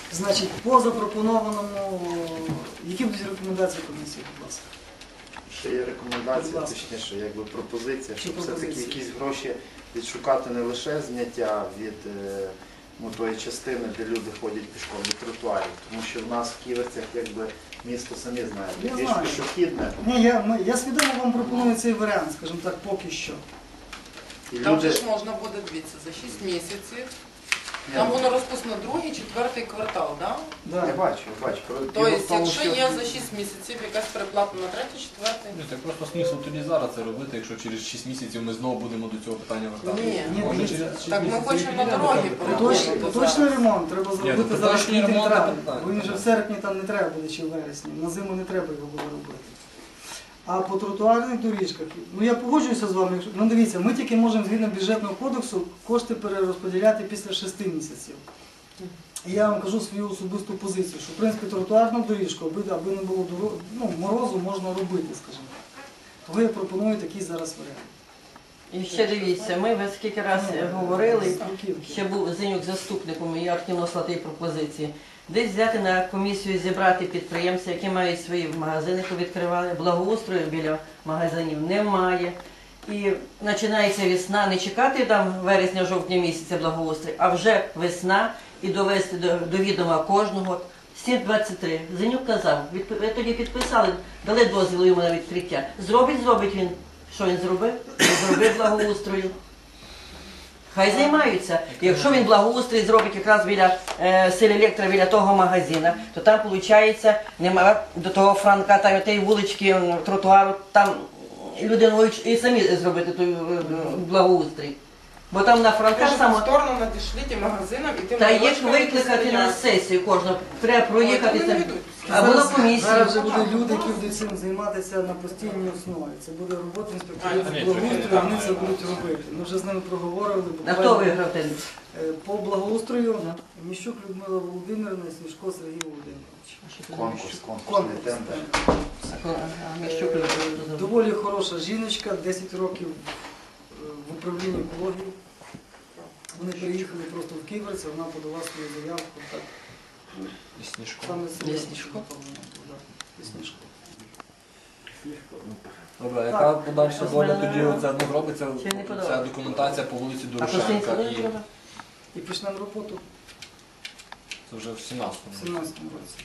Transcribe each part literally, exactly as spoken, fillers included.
Значить, по запропонованому, які будуть рекомендації комісії, будь ласка? Ще є рекомендація, Будь ласка. точніше, якби пропозиція, щоб Чи все-таки пропозиція? якісь гроші відшукати не лише зняття від е, ну, тої частини, де люди ходять пішком, від тротуарів. Тому що в нас в Ківерцях, якби, місто самі Я знаєте, більш знаю. пішохідне. Ні, я, ми- я свідомо вам пропоную цей варіант, скажімо так, поки що. І Там люди, же ж можна буде, дивіться, за шість місяців. Ні, Там воно розписано другий, четвертий квартал, так? я Да. бачу, я бачу. Про- Тобто, діло в тому, якщо що- є за шість місяців якась переплата на третій, четвертий. Ні, так просто смисл тоді зараз це робити, якщо через шість місяців ми знову будемо до цього питання вертатися. Ні. Ні, Може, дивіться. через шість Так ми місяців хочемо і на підемо дороги до того переходити. питання. Поточ- Поточний ремонт треба Ні, зробити ну, зараз поточний квітень ремонт, травень, так, бо він вже так. в серпні там не треба буде, чи в вересні. На зиму не треба його буде робити. А по тротуарних доріжках, ну я погоджуюся з вами, якщо, ну дивіться, ми тільки можемо згідно бюджетного кодексу кошти перерозподіляти після шести місяців. І я вам кажу свою особисту позицію, що в принципі тротуарну доріжку, аби, аби не було доро... ну, морозу, можна робити, скажімо так. Тому я пропоную такий зараз варіант. І ще дивіться, ми ви скільки раз говорили, Бруківки. ще був Зенюк заступником, і я активно слати пропозиції. Десь взяти на комісію, зібрати підприємців, які мають свої магазини, повідкривали, благоустрою біля магазинів немає. І починається весна, не чекати там вересня-жовтня місяця благоустрій, а вже весна і довести до, до відома кожного. сім двадцять три. Зенюк казав, відп- ви тоді підписали, дали дозвіл йому на відкриття. Зробить, зробить він. Що він зробив? Він зробив благоустрою. Хай займаються. Якщо він благоустрій зробить якраз біля е, Селелектра, біля того магазина, то там, виходить, немає до того Франка, там тієї вулички, м, тротуару, там люди можуть і самі зробити той е, благоустрій. Бо там на Франка Каже, само... повторно надішліть магазинам і тим Та їх молочкам, які викликати на стоять. сесію кожного. Треба проїхати. Ой, та вони там. не йдуть. А була Зараз- комісія. Зараз вже будуть люди, які будуть цим займатися на постійній основі. Це буде робота інспекторів А, ні, з благоустрою, трохи вони не це так, будуть так. робити. Ми вже з ними проговорили. А хто буквально. виграв ten? Е, По благоустрою Міщук Людмила Володимирівна і Смішко Сергій Володимирович. Конкурс, конкурсний Конкурс. тендер. А, Міщук Е, Людмила. Доволі хороша жіночка, десять років е, в управлінні екології. Вони приїхали просто в Ківерці, вона подала свою заявку. Так, І Сніжко. саме це Лісничко. Да, Лісничко. Добре, а Так. яка подальша Щось доля мене тоді не- оце, ну, робиться Чи не ця подобається? документація по вулиці А Дорошенка Костянтин і треба? І почнемо роботу це вже в в сімнадцятому. сімнадцятому році.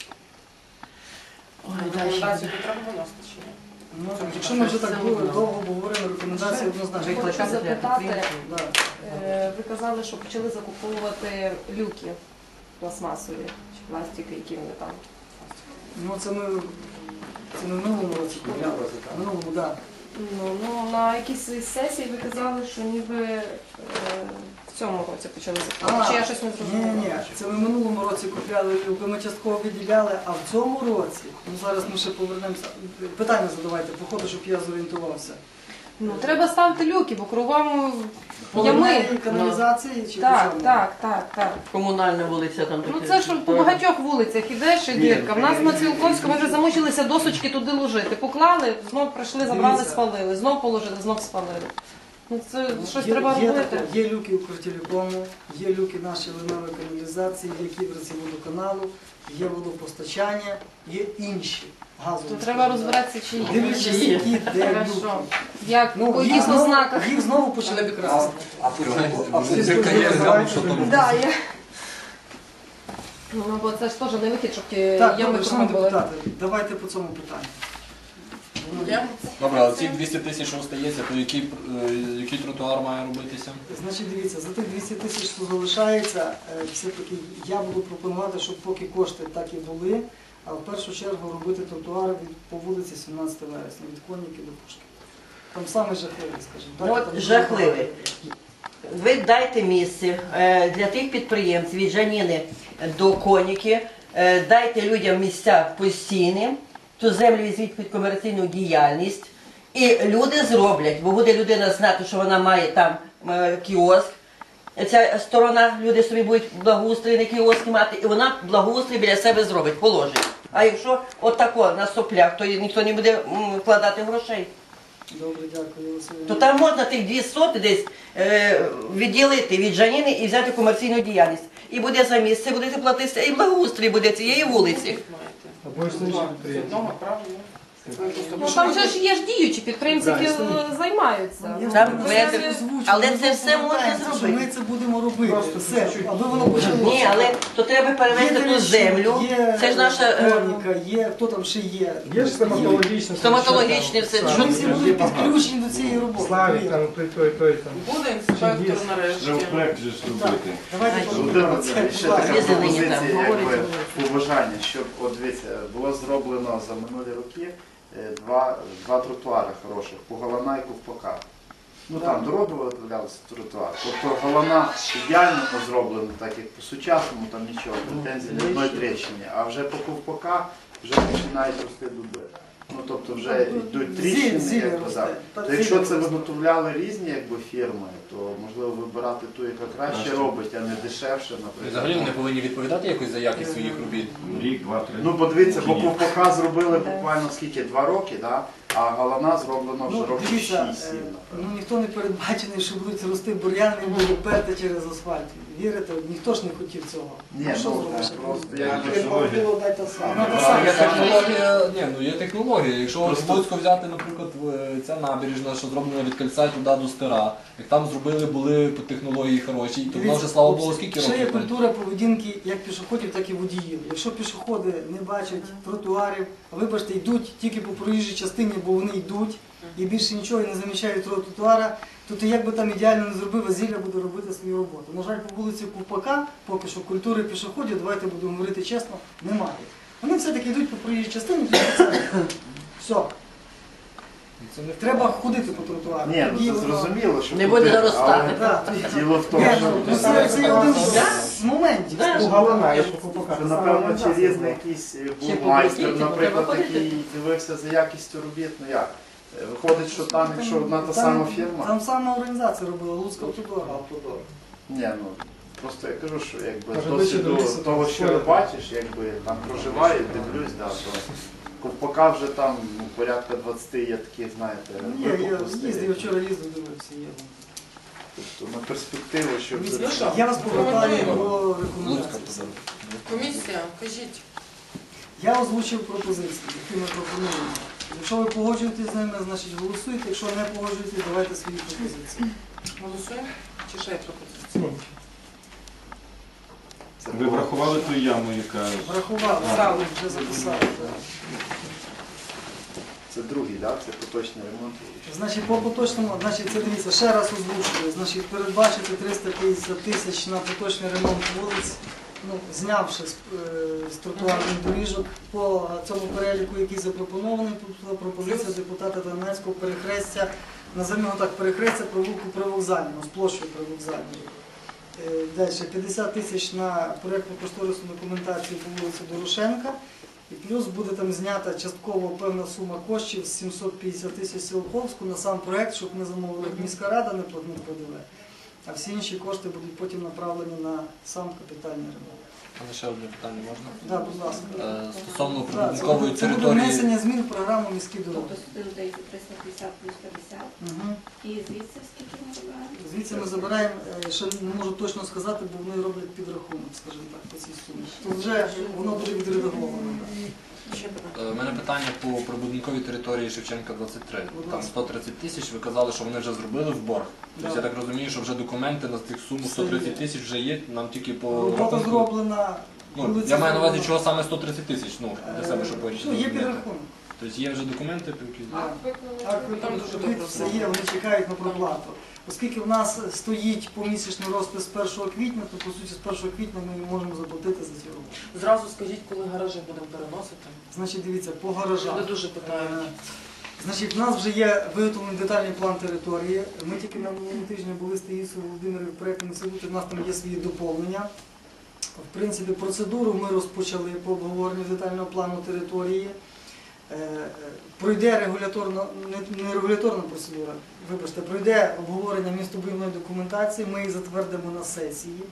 Ой, далі. Рекомендацію треба виносити чи ні? Ну, якщо ми вже так були, довго говоримо, рекомендації однозначно. Викликати Хочу для запитати, підприємців. Да. Е, Ви казали, що почали закуповувати люки пластмасові чи пластики, які вони там. Ну це ми, це ми в минулому році купляли. В минулому, так. Да. Ну, ну на якійсь сесії ви казали, що ніби е, в цьому році почали закуповувати. Чи я щось не Ні, зрозуміла? ні, це ми в минулому році купляли люки, ми частково виділяли, а в цьому році, ну зараз ми ще повернемося, питання задавайте, по ходу, щоб я зорієнтувався. Ну треба ставити люки, бо кругом По ями. лінії каналізації чи по Так, чому? так, так, так. Комунальна вулиця там Ну таке. це ж по багатьох вулицях ідеш і дірка. В нас на Цілковську ми вже замучилися досочки туди ложити. Поклали, знов прийшли, забрали, Дивіться. спалили, знов положили, знов спалили. Ну це щось Є- треба є, робити. таке, є люки у Укртелекому, є люки нашої линевої каналізації, є кіберці водоканалу, є водопостачання, є інші газові. То скажімо треба так. розбиратися, чи є. Дивлячись, Чи є. які де люки. Хорошо. Як, по Ну, їх яких знову, ознаках? їх знову почали красти. А потім Зірка є, глянь, що там. Да, я... Ну, бо це ж теж не вихід, щоб ті Так, ями добре, кругом шановні були. депутати, давайте по цьому питанню. Я- Добре, а ці двісті тисяч, що остається, то який, е, який тротуар має робитися? Значить, дивіться, за тих двісті тисяч, що залишається, е, все-таки я буду пропонувати, щоб поки кошти так і були, а в першу чергу робити тротуари від, по вулиці сімнадцятого вересня, від Коніки до Пушки. Там саме жахливий, скажімо. Ну, так, от там дуже жахливий. багато. Ви дайте місце е, для тих підприємців від Жаніни до Коніки, е, дайте людям місця постійні, ту землю візьміть під комерційну діяльність, і люди зроблять, бо буде людина знати, що вона має там е, кіоск. Ця сторона, люди собі будуть благоустрій на кіоски мати, і вона благоустрій біля себе зробить, положить. А якщо отако на соплях, то ніхто не буде м, вкладати грошей. Добре, дякую, Василь. То там можна тих дві соти десь е, відділити від Жаніни і взяти комерційну діяльність. І буде за місце, будете платити, і благоустрій буде цієї вулиці. Або з одного правильно. Ну там же ж є ж діючі підприємці, які е, займаються. Я Там вам веде- просто озвучую, але ми це все можна повертаємося, що зробити. Ми це будемо робити. Все, аби воно почалося. Ні, але то треба перевести Є ту Терещук, землю. є Це ж наша е, Хроніка, є, хто там ще є. Є ж стоматологічне. стоматологічне все. Ми Що всі будемо підключені до цієї роботи. Славік, там той, той, той там. Буде інспектор нарешті. Вже в проєкт же ж робити. Давайте Володимир подумаємо. Це, Васильович, ще будь така ласка. Є зелені там, пропозиція, говорить, якби говорить. побажання, щоб от дивіться, було зроблено за минулі роки е, два, два тротуари хороших по Галана і Ковпака. Ну там дороги виготовлялися тротуар. Тобто Галана ідеально зроблено, так як по-сучасному, там нічого, претензій ні одної тріщини. А вже по Ковпака вже починають рости дуби. Ну тобто вже йдуть тріщини, Зілля як росте. так. Та То якщо зілля це росте. виготовляли різні якби, фірми, то можливо вибирати ту, яка краще Краще. робить, а не дешевше, наприклад. Взагалі вони повинні відповідати якось за якість своїх робіт. Рік, два, три. Ну, подивіться, бо Ні. Ковпака зробили буквально скільки, два роки, да? А Галана зроблено вже Ну, років дивіться, шість-сім, е, ну напевно. ніхто не передбачений, що будуть рости бур'яни і будуть перти через асфальт. Вірите? Ніхто ж не хотів цього. Ні, Ну, що ну, зробиш? просто як якби технологія. було, дай те саме. Ну, Ну, те так, саме. Є технологія, ні, ну є технологія. Якщо Просто- в Луцьку взяти, наприклад, в- ця набережна, що зроблена від кільця туди до стира, як там зробили, були по технології хороші, то вона вже, слава Богу, скільки Ще є років. культура поведінки як пішоходів, так і водіїв. Якщо пішоходи не бачать тротуарів, а вибачте, йдуть тільки по проїжджій частині, бо вони йдуть, і більше нічого і не замічають тротуара, то ти як би там ідеально не зробив, а зілля буде робити свою роботу. На жаль, по вулиці Ковпака поки що культури пішоходів, давайте будемо говорити чесно, немає. Вони все-таки йдуть по проїжджій частині, то це все. Це не Треба ходити по тротуару. Ні, ну Тоді це воно- зрозуміло, що Не тут буде є, заростати. але Да, тоді- Діло в тому, Ні, що ну, це, це є один з моментів. Да. У Галана, я ж Ковпака. Що, напевно, чи різний якийсь е, Ще був майстер, попросіть, наприклад, треба який дивився за якістю робіт, ну як? Е, Виходить, що там, якщо одна та сама фірма, Там сама організація робила, Луцька Автодор. ні, ну просто я кажу, що якби Може, з досвіду вище до того, лісу що я бачиш, якби там проживаю, дивлюсь, да, то Ковпака вже там ну, порядка двадцяти є такі, знаєте, Є, я випуклостей. їздив, вчора їздив, дивився. Є. Тобто на перспективу, щоб Ну що? Я вас повертаю до Луцька рекомендацій. позор. Комісія, кажіть. Я озвучив пропозиції, які ми пропонуємо. Якщо ви погоджуєтесь з ними, значить голосуйте. Якщо не погоджуєтесь, давайте свої пропозиції. Голосуємо? Чи ще є пропозиція? це Ви було- врахували ту яму, яка... Врахували, Записали. вже записали. так. Це другий, да? Це поточний ремонт. Значить, по поточному, значить, це дивіться, ще раз озвучую. Значить, передбачити триста п'ятдесят тисяч на поточний ремонт вулиць, ну, знявши з, е, з тротуарних доріжок по цьому переліку, який запропонований, тут пропозиція депутата Донецького перехрестя, називаємо його так, перехрестя провулку Привокзального, з площею Привокзальної. Е, Далі п'ятдесят тисяч на проєктну кошторисну документацію по вулиці Дорошенка. І плюс буде там знята частково певна сума коштів з сімсот п'ятдесят тисяч Сілковську на сам проєкт, щоб ми замовили як міська рада не платник П Д В. А всі інші кошти будуть потім направлені на сам капітальний ремонт. Але ще одне питання можна? Да, будь ласка. Е, Стосовно Да, це прибудинкової буде- це буде території. внесення змін в програму міські дороги. Тобто сюди додається триста п'ятдесят плюс п'ятдесят. Угу. І звідси скільки ми забираємо? Звідси ми забираємо, е, ще не можу точно сказати, бо вони роблять підрахунок, скажімо так, по цій сумі. То вже воно буде відредаговано. да. Ще питання. Е, У мене питання по прибудинковій території Шевченка двадцять три. Будь Там ласка. сто тридцять тисяч, ви казали, що вони вже зробили в борг. Тобто Да. я так розумію, що вже документи на тих суму Все сто тридцять є. тисяч вже є, нам тільки по Робота рахунку. зроблена. Ну, вулиця я маю на увазі, зроблена. чого саме сто тридцять тисяч, ну, для себе, щоб Е, потім Ну, є розуміти. підрахунок. Тобто є вже документи, по які... Так, Там дуже тут добре все є, вони чекають на проплату. Оскільки в нас стоїть помісячний розпис з першого квітня, то по суті з першого квітня ми можемо заплатити за ці роботи. Зразу скажіть, коли гаражі будемо переносити. Значить, дивіться, по гаражах. Люди дуже питають. Е, Значить, в нас вже є виготовлений детальний план території. Ми тільки на минулому тижні були з Таїсою Володимирівною в проєктному інституті, у нас там є свої доповнення. В принципі, процедуру ми розпочали по обговоренню детального плану території. Е, е, Пройде регуляторна, не, не регуляторна процедура, вибачте, пройде обговорення містобудівної документації, ми їх затвердимо на сесії.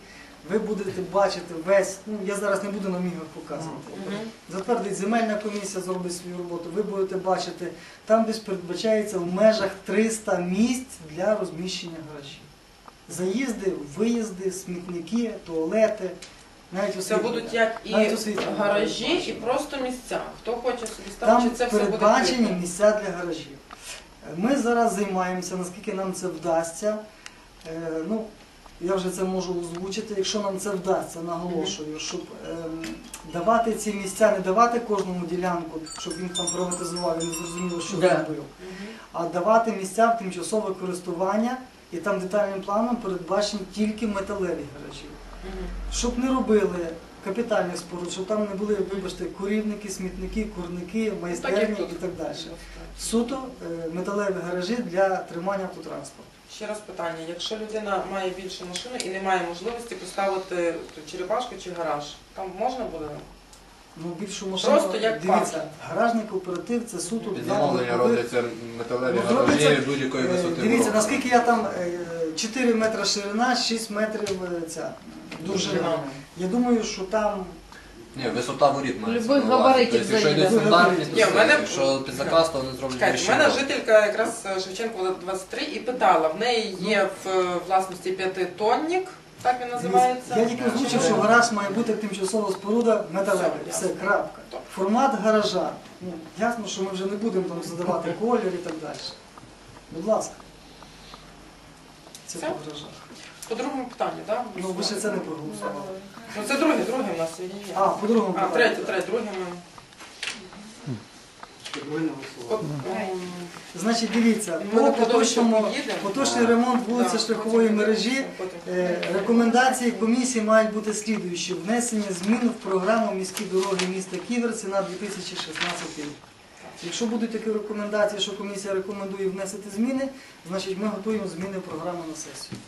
ви будете бачити весь, ну я зараз не буду на мігах показувати. Затвердить земельна комісія, зробить свою роботу, ви будете бачити, там десь передбачається в межах триста місць для розміщення гаражів. Заїзди, виїзди, смітники, туалети, навіть Це освітлення. будуть як і Навіть освітлення. гаражі, і просто місця. Хто хоче собі ставити, Там чи це все буде передбачені відкрито? місця для гаражів. Ми зараз займаємося, наскільки нам це вдасться. Е, ну, я вже це можу озвучити, якщо нам це вдасться, наголошую, щоб ем, давати ці місця, не давати кожному ділянку, щоб він там приватизував, він не зрозуміло, що Да. зробив, а давати місця в тимчасове користування, і там детальним планом передбачені тільки металеві гаражі. Щоб не робили капітальних споруд, щоб там не були, вибачте, курівники, смітники, курники, Так, як майстерні тут. і так далі. Суто е, металеві гаражі для тримання автотранспорту. Ще раз питання. Якщо людина має більше машину і не має можливості поставити черепашку чи гараж, там можна буде? Ну, більшу машину, Просто як дивіться, паркінг. гаражний кооператив це суто Під для замовлення легкових. робляться металеві Ну, гаражі робиться, будь-якої Е, висоти. Дивіться, ворога. наскільки я там е, чотири метри ширина, шість метрів е, ця довжина. Довжина. Я думаю, що там Ні, висота воріт має. Любих габаритів Тобто, якщо йде заїде. стандартні, Ні, то в мене- все. Якщо під заказ, то вони зроблять Чекайте, вищі в мене ворота. жителька якраз е, Шевченко двадцять три і питала, в неї є в е, власності п'ятитонник, так він називається. Я тільки озвучив, що гараж має бути тимчасова споруда металева. Все, Все, крапка. Так. Формат гаража. Ну, ясно, що ми вже не будемо там задавати колір і так далі. Будь ласка. Це Все? по гаражах. По другому питанню, так? Ну, ви ще це не проголосували. Ну це друге, друге в нас є. А, по другому А, третє, третє, друге ми. От, ем, Значить, дивіться, Ми по на кладовище поточному, поїдемо. поточний ремонт вулиці Да, шляхової потім- мережі. потім- Е, Рекомендації комісії мають бути слідуючі. Внесення змін в програму міські дороги міста Ківерці на дві тисячі шістнадцятий рік. Якщо будуть такі рекомендації, що комісія рекомендує внести зміни, значить ми готуємо зміни в програму на сесію.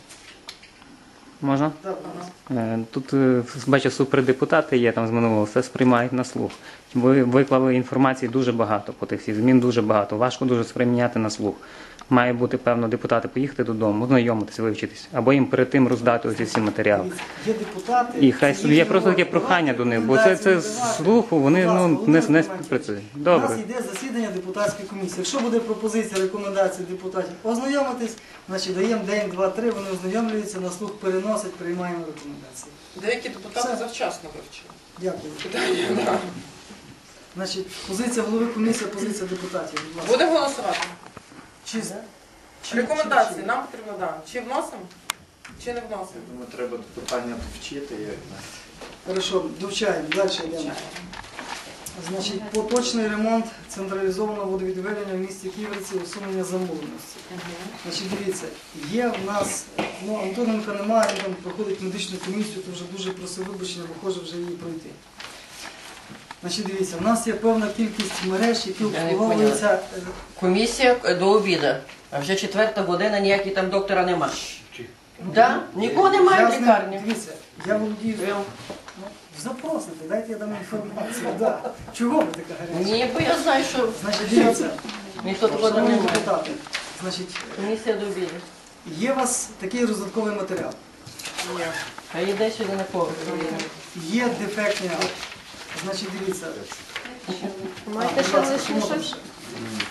Можна? Так, будь ласка. Е, Тут е, бачу, супердепутати є там з минулого, все сприймають на слух. Ви виклали інформації дуже багато по тих всіх змін, дуже багато. Важко дуже сприйняти на слух. Має бути, певно, депутати поїхати додому, ознайомитися, вивчитись, або їм перед тим роздати ось ці всі матеріали. Дивіться, є депутати. І хай це собі є їхня просто таке робота. прохання до них, бо це, Давайте це з рекомендації слуху вони давати. ну, Будь ласка, не, Володимир не Романович, співпрацюють. У нас Добре. йде засідання депутатської комісії. Якщо буде пропозиція, рекомендації депутатів ознайомитись, значить даємо день, два, три, вони ознайомлюються, на слух переносять, приймаємо рекомендації. Деякі депутати Все. завчасно вивчили. Дякую. Питання, да. Значить, позиція голови комісії, позиція депутатів. Будь ласка. Будемо голосувати. Чи, чи, Рекомендації чи- нам потрібно, да. Чи вносимо, чи не вносимо? Думаю, треба питання вчити. Як... Хорошо, довчаємо, далі йдемо. Значить, поточний ремонт централізованого водовідведення в місті Ківерці, усунення замовленості. Значить, дивіться, є в нас, ну, Антоненка немає, він там проходить медичну комісію, то вже дуже просив вибачення, бо хоче вже її пройти. Значить, дивіться, в нас є певна кількість мереж, які Я не обслуговуються. е, Комісія до обіду, а вже четверта година, ніякого там доктора нема. Да? Нікого немає я в з ним- лікарні. Дивіться, я володію. Ну, запросите, дайте я дам інформацію. Да. Чого ви така гаряча? Ні, бо я знаю, що Значить, дивіться, ніхто такого там шановні немає. депутати, значить, Комісія до обіду. є у вас такий роздатковий матеріал. Ні. А йде сюди на поверх. Є дефектні акти. Значить, дивіться. Маєте А, ще будь ласка, лишнє чому щось? там ще?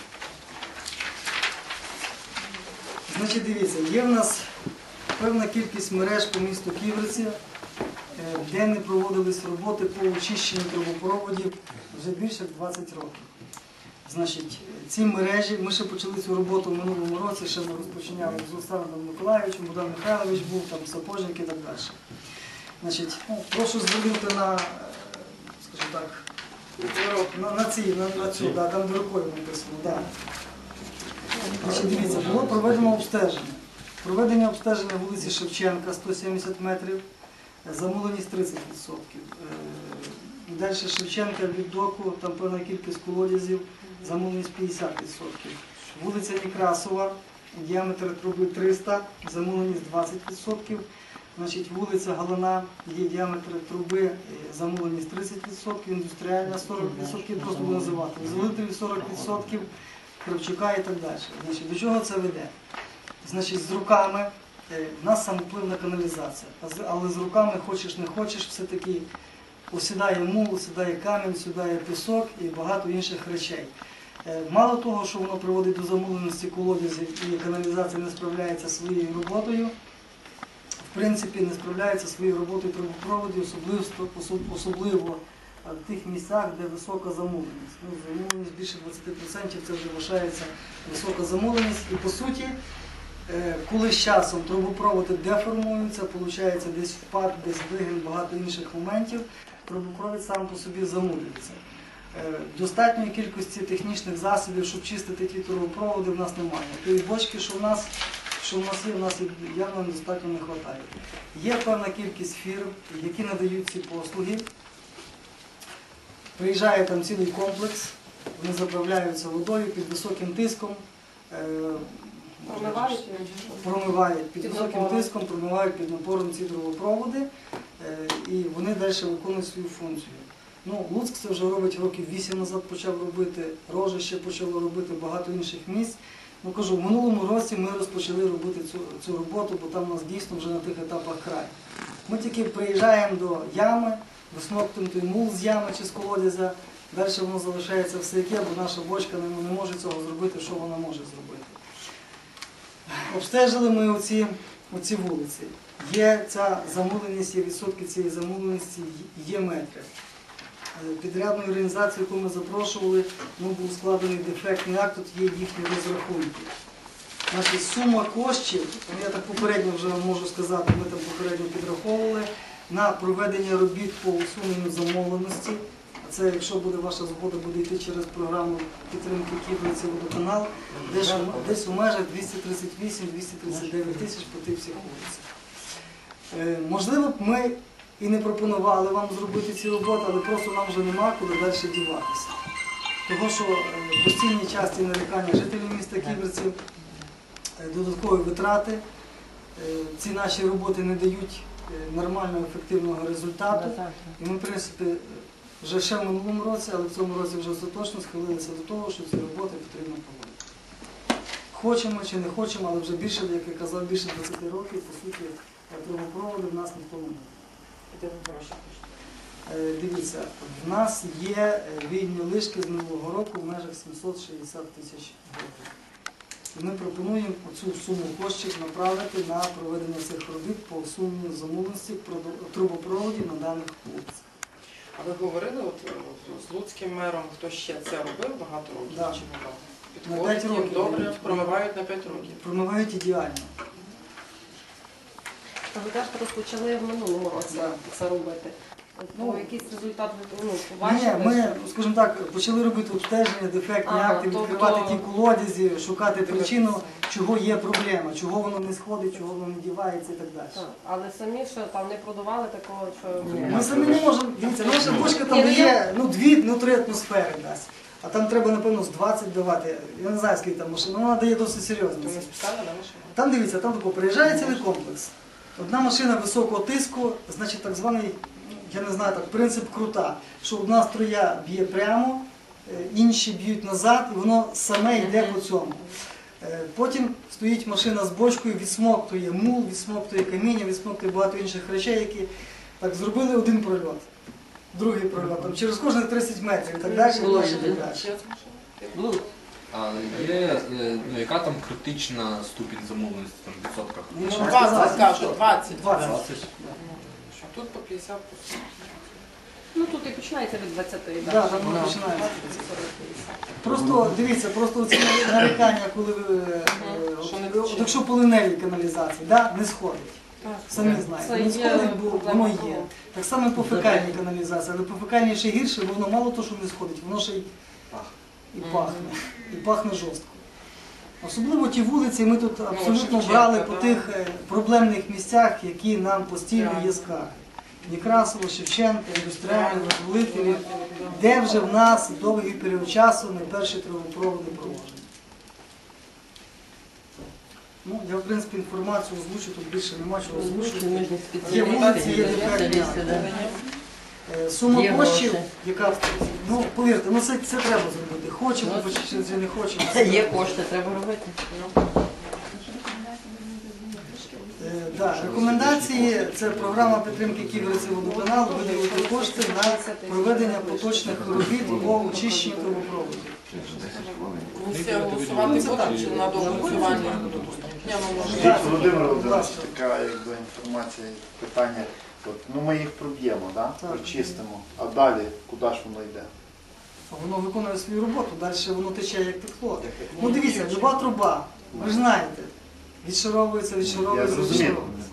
Значить, дивіться, є в нас певна кількість мереж по місту Ківерці, е, де не проводились роботи по очищенню трубопроводів вже більше двадцять років. Значить, ці мережі, ми ще почали цю роботу в минулому році, ще ми розпочиняли з Олександром Миколаївичем, Богдан Михайлович був, там Сапожник і так далі. Значить, ну, прошу звернути на, е, скажімо так, на, на ці, на, на цю, да, там де рукою написано, да. Значить, дивіться, було проведено обстеження. Проведення обстеження вулиці Шевченка сто сімдесят метрів, замовленість тридцять відсотків. Е, Далі Шевченка від доку, там певна кількість колодязів, замовленість п'ятдесят відсотків. Вулиця Некрасова, діаметр труби триста, замовленість двадцять відсотків. Значить, вулиця Галина, є діаметр труби, е, замовленість тридцять відсотків, індустріальна сорок відсотків, просто буду називати, Золотові сорок відсотків, Кравчука і так далі. Значить, до чого це веде? Значить, з руками Е, в нас сам вплив на каналізацію. А з- Але з руками хочеш не хочеш, все-таки осідає мул, осідає камінь, осідає пісок і багато інших речей. Е, Мало того, що воно приводить до замуленості колодязів і каналізація не справляється зі своєю роботою, в принципі не справляється зі своєю роботою трубопроводів, особливо, особ- особливо е, в тих місцях, де висока замуленість. Ну, замуленість більше двадцять відсотків це вже вважається висока замуленість. І по суті, е, коли з часом трубопроводи деформуються, виходить десь впад, десь вигин, багато інших моментів, трубопровід сам по собі замулюється. Е, Достатньої кількості технічних засобів, щоб чистити ті трубопроводи, в нас немає. Тої бочки, що в нас, що в нас є, в нас явно достатньо не вистачає. Є певна кількість фірм, які надають ці послуги. Приїжджає там цілий комплекс, вони заправляються водою під високим тиском, е, Промивають? промивають під Під високим напором. тиском, промивають під напором ці трубопроводи, е, і вони далі виконують свою функцію. Ну, Луцьк це вже робить років вісім назад, почав робити, Рожище почало робити, багато інших місць. Ну, кажу, в минулому році ми розпочали робити цю, цю роботу, бо там у нас дійсно вже на тих етапах край. Ми тільки приїжджаємо до ями, висмоктуємо той мул з ями чи з колодязя, далі воно залишається все яке, бо наша бочка не, не може цього зробити, що вона може зробити. Обстежили ми оці, оці вулиці. Є ця замуленість, є відсотки цієї замуленості, є метри. Е, Підрядною організацією, яку ми запрошували, ну, був складений дефектний акт, тут є їхні розрахунки. Значить, сума коштів, ну, я так попередньо вже вам можу сказати, ми там попередньо підраховували, на проведення робіт по усуненню замовленості. А це, якщо буде ваша згода, буде йти через програму підтримки Ківерці водоканал, десь, у- десь у межах двісті тридцять вісім - двісті тридцять дев'ять тисяч по тих всіх вулицях. Е, Можливо б ми і не пропонували вам зробити ці роботи, але просто нам вже нема куди далі діватися. Того, що е, постійні часті нарікання жителів міста Ківерців, е, додаткові витрати, е, ці наші роботи не дають е, нормального, ефективного результату. І ми, в принципі, вже ще в минулому році, але в цьому році вже остаточно схилилися до того, що ці роботи потрібно проводити. Хочемо чи не хочемо, але вже більше, як я казав, більше двадцять років, по суті, трубопроводи в нас ніхто не буде. Де ви гроші хочете? Е, Дивіться, в нас є е, вільні лишки з минулого року в межах сімсот шістдесят тисяч гривень. І ми пропонуємо цю суму коштів направити на проведення цих робіт по усуненню замовленості трубопроводів на даних вулицях. А ви говорили от, е, з Луцьким мером, хто ще це робив багато років? Да. Чи не На Підходить п'ять їм років. добре, промивають на п'ять років. Промивають ідеально. А ви кажете, розпочали в минулому році Да. це робити. Ну, Ну, якийсь результат ви ну, Ні, побачили? ми, скажімо так, почали робити обстеження, дефектні Ага, акти, тобто- відкривати ті колодязі, шукати причину, чого є проблема, чого воно не сходить, чого воно не дівається і так далі. Так, але самі ще там не продавали такого, що... Ми самі не можемо, дивіться, наша бочка там Ні, ну, є ну, дві, ну три атмосфери дасть. А там треба, напевно, з двадцять давати. Я не знаю, скільки там машин, ну, вона дає досить серйозно. То не спеціально, да, машина? Там дивіться, там тако приїжджає цілий комплекс. Одна машина високого тиску, значить так званий, я не знаю, так, принцип крута, що одна струя б'є прямо, е, інші б'ють назад, і воно саме йде по цьому. Е, Потім стоїть машина з бочкою, відсмоктує мул, відсмоктує каміння, відсмоктує багато інших речей, які так зробили один прольот, другий прольот, там, через кожних тридцять метрів і так далі. і Було далі, і один. так далі. Ще з машини? Ну, А є, е, ну, яка там критична ступінь замовленості там, в відсотках? Ну, Ну, що двадцять, сказати? кажуть, двадцять. двадцять. А тут по п'ятдесят. Ну, тут і починається від двадцяти. Да, так. там воно Ну. починається. Просто дивіться, просто ці нарікання, коли ви, е, Що не от, тече. якщо полиневі каналізації, да, не сходить. Так. Самі Це знаєте, не є сходить, бо проблема воно того. є. Так само і по фекальній каналізації, але по фекальній ще гірше, бо воно мало того, що не сходить, воно ще й і пахне, і пахне жорстко. Особливо ті вулиці, ми тут абсолютно Шевченка, брали по да. тих е, проблемних місцях, які нам постійно є скарги. Некрасово, Шевченка, індустріальні, Визволителі, де вже в нас довгий період часу не перші трубопроводи проложені. Ну, я, в принципі, інформацію озвучу, тут більше нема чого ми озвучувати. ж не Є спеціалісти, вулиці, є не дефектні. спеціалісти, да. Е, Сума Є коштів, гроші. яка, ну, повірте, ну це, це треба зробити. Хочемо, чи чи не хочемо. Є кошти, треба робити. Так, рекомендації це програма підтримки Ківерців водоканал, виділити кошти на проведення поточних робіт по очищенню трубопроводу. Комісія голосувати буде чи на доголосування? Ні, ну, може. Скажіть, Володимир Володимирович, така якби інформація, питання. От, ну ми їх проб'ємо, да? Так. Прочистимо, а далі куди ж воно йде? Воно виконує свою роботу, далі воно тече як текло. Ну дивіться, люба труба, ви ж знаєте, відшаровується, Я відшаровується, зрозумів. відшаровується.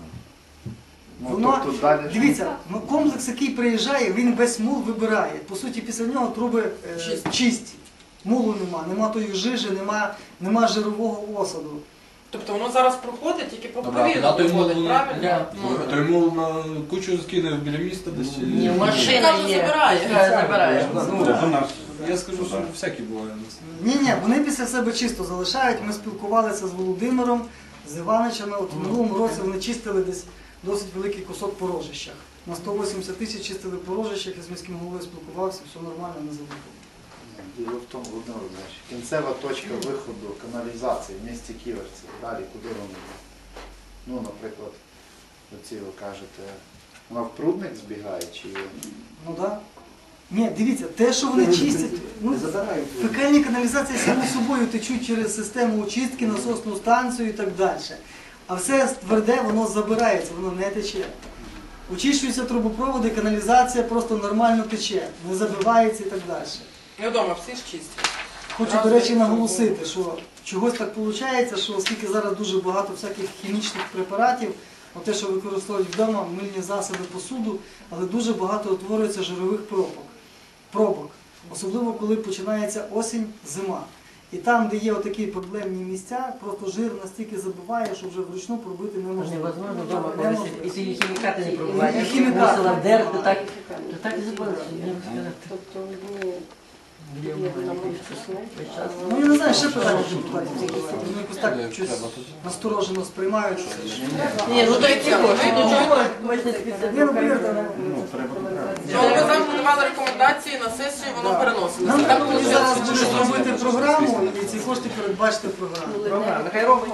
Ну, Воно, тобто далі що? дивіться, ну, комплекс, який приїжджає, він весь мул вибирає. По суті, після нього труби е, Чисті. чисті. Мулу нема, нема тої жижі, нема, нема жирового осаду. Тобто воно зараз проходить, тільки Добре, проповільно а той мул, проходить, правильно? Да. Ну, То йому на кучу скине біля міста десь. чи- Ні, машина Каже, є. забирає. Каже, забирає. Ну, Вона ж я скажу, що всякі буває. Ні, ні, вони після себе чисто залишають. Ми спілкувалися з Володимиром, з Іваничами. От в минулому році вони чистили десь досить великий кусок по рожищах. На сто вісімдесят тисяч чистили по рожищах, я з міським головою спілкувався, все нормально, не забув. Діло в тому, Володимир Володимирович, кінцева точка виходу каналізації в місті Ківерці. Далі куди воно йде? Ну, наприклад, оці ви кажете, вона в прудник збігає чи Ну так. Да. Ні, дивіться, те, що вони чистять, ну, фекальні каналізації само собою течуть через систему очистки, насосну станцію і так далі. А все тверде, воно забирається, воно не тече. Очищуються трубопроводи, каналізація просто нормально тече, не забивається і так далі. Я вдома всі ж чисті. Хочу, до речі, наголосити, що чогось так виходить, що оскільки зараз дуже багато всяких хімічних препаратів, от те, що використовують вдома, мильні засоби, посуду, але дуже багато утворюється жирових пробок. пробок. Особливо, коли починається осінь, зима. І там, де є отакі проблемні місця, просто жир настільки забиває, що вже вручну пробити неможливо. Невозможно дома Неможливо. повісити. І ті хімікати не пробувати. І хімікати. Мусила вдерти, так, то так і забули. Я вам сказати. Тобто, ну, є на моїх Весь час. Ну, я не знаю, ще питання депутатів задавати. Ну, якось так щось насторожено сприймають. що це ж. Ні, ну то які кошти, ну чого? Можна Ні, ну, повірте, ну, треба Ну, ми завжди давали рекомендації на сесію, воно переносилося. нам Так треба виходить, зараз що буде що? зробити програму і ці кошти передбачити в програму. Програма, нехай робить.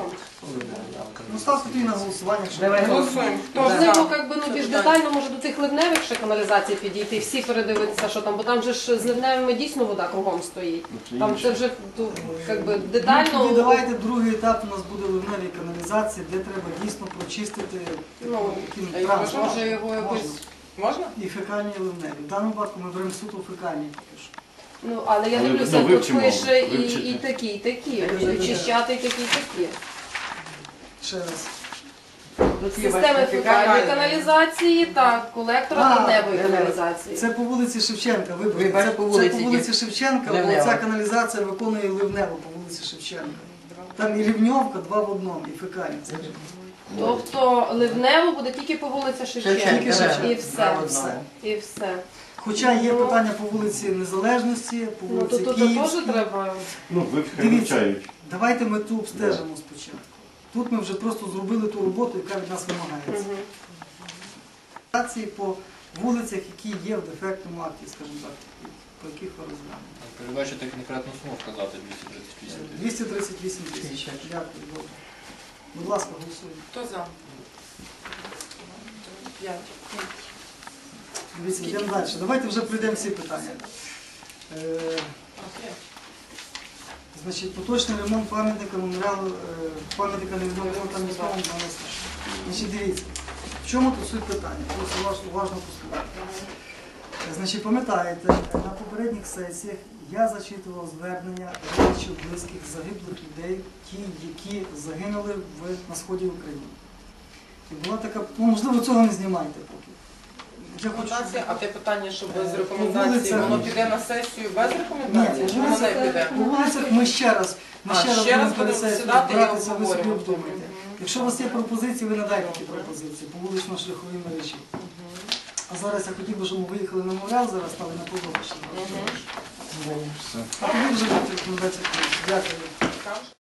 Ну, ставте тоді на голосування, якщо Давай. Голосуємо. Хто Можливо, за? як би, ну, більш детально може до цих ливневих ще каналізацій підійти, всі передивитися, що там, бо там же ж з ливневими дійсно вода кругом стоїть. Там це вже ну, як би, Ну, детально. тоді давайте другий етап у нас буде ливневі каналізації, де треба дійсно прочистити Ну, таким а його транспортом. може його якось... Можна? І фекальні і ливневі. В даному випадку ми беремо суто фекальні поки що. Ну, але я Але, дивлюся, ну, тут вивчимо, пише і, вивчити. і такі, і такі, і очищати і такі, і такі. Ще раз. Системи фекальної каналізації та колектора А, ливневої ливнева. каналізації. Це по вулиці Шевченка. Вибачте, Вибач, це, по це вулиці по вулиці Шевченка, бо Ливнева. ця каналізація виконує ливневу по вулиці Шевченка. Там і рівньовка, два в одному, і фекальні. Тобто ливнево буде тільки по вулиці Шевченка. Тільки Шевченка. І все. Все. І все. Хоча є питання по вулиці Незалежності, по Ну, то вулиці тут теж Київській. треба. ну, Дивіться. вивчають. Давайте ми ту обстежимо спочатку. Тут ми вже просто зробили ту роботу, яка від нас вимагається. Мгм. Акції по вулицях, які є в дефектному акті, скажімо так, по яких ви розглянули. Передбачити конкретну суму вказати двісті тридцять вісім тисяч. двісті тридцять вісім тисяч. Дякую, добре. Будь ласка, голосуємо. Хто за? П'ять. Дивіться, йдемо далі. Давайте вже пройдемо всі питання. Е, Значить, поточний ремонт пам'ятника меморіалу, е, пам'ятника невідомого там міському дванадцять. Значить, дивіться, в чому тут суть питання? Просто уважно, уважно послухайте. Е, Значить, пам'ятаєте, на попередніх сесіях я зачитував звернення родичів близьких загиблих людей, ті, які загинули в, на сході України. І була така, ну можливо, цього не знімайте поки. Я хочу, Рекомендація, а те питання, що без Е, рекомендації, вулиця- воно піде на сесію без Ні, рекомендації, чи воно не піде? по вулицях ми ще раз, ми А, ще раз ще раз будемо будемо перед сідати і братися, ви собі обговорювати. обдумайте. Якщо у вас є пропозиції, ви надайте ті пропозиції по вулично-шляховій мережі. А зараз я хотів би, щоб ми виїхали на меморіал, зараз стали на подобище. А тоді вже будуть рекомендації. Дякую.